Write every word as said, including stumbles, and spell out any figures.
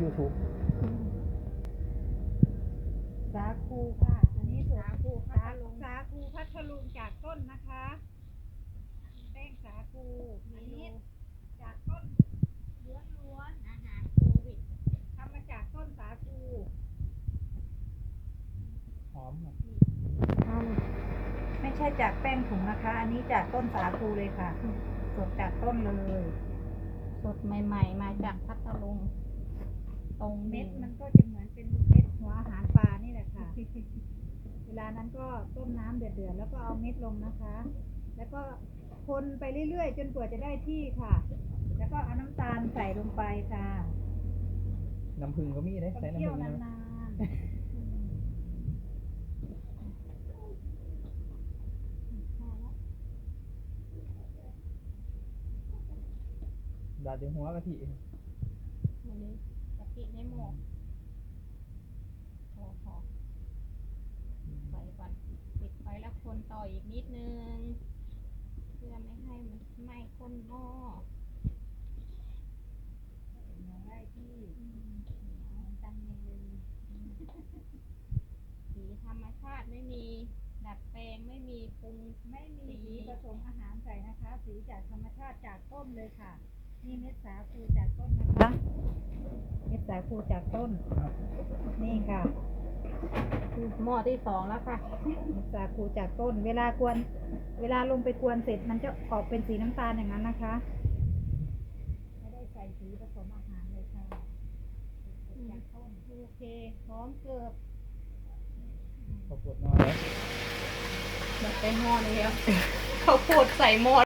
ยูทูบสาคูค่ะอันนี้สาคูพัทลุงสาคูพัทลุงจากต้นนะคะแป้งสาคูอันนี้จากต้นล้วนๆอาหารโควิดทำมาจากต้นสาคูหอมครับไม่ใช่จากแป้งถุงนะคะ อันนี้จากต้นสาคูเลยค่ะ สดจากต้นเลยสดใหม่ๆมาจากพัทลุงตรงเม็ดมันก็จะเหมือนเป็นเม็ดหัวอาหารปลานี่แหละค่ะ เวลานั้นก็ต้มน้ำเดือดๆแล้วก็เอาเม็ดลงนะคะ แล้วก็คนไปเรื่อยๆจนกว่าจะได้ที่ค่ะ แล้วก็เอาน้ำตาลใส่ลงไปค่ะน้ำผึ้งก็มีได้ต้องใส่น้ำเคี่ยวผึ้งนนะานๆดาดด้วยหัวกะทิวันนี้กะทิในหม้อพอพอไปก่อนปิดไฟแล้วคนต่ออีกนิดนึงเพื่อไม่ให้มันไหม้ข้นหม้อได้ที่จังเลยสีธรรมชาติไม่มีดัดแปลงไม่มีปรุงไม่มีสีผสมอาหารใส่นะคะ สีจากธรรมชาติจากต้นเลยค่ะนี่เม็ดสาคูจากต้นนะคะเม็ดสาคูจากต้นนี่ค่ะหม้อที่สองแล้วค่ะเม็ดสาคูจากต้น เวลากวนเวลาลงไปกวนเสร็จมันจะออกเป็นสีน้ำตาลอย่างนั้นนะคะไม่ได้ใส่สีผสมอาหารเลยค่ะจากต้นโอเคพร้อมเกือบข้าวโพดน้อยหมดไปหม้อแล้วข้าวโพดใส่หม้อ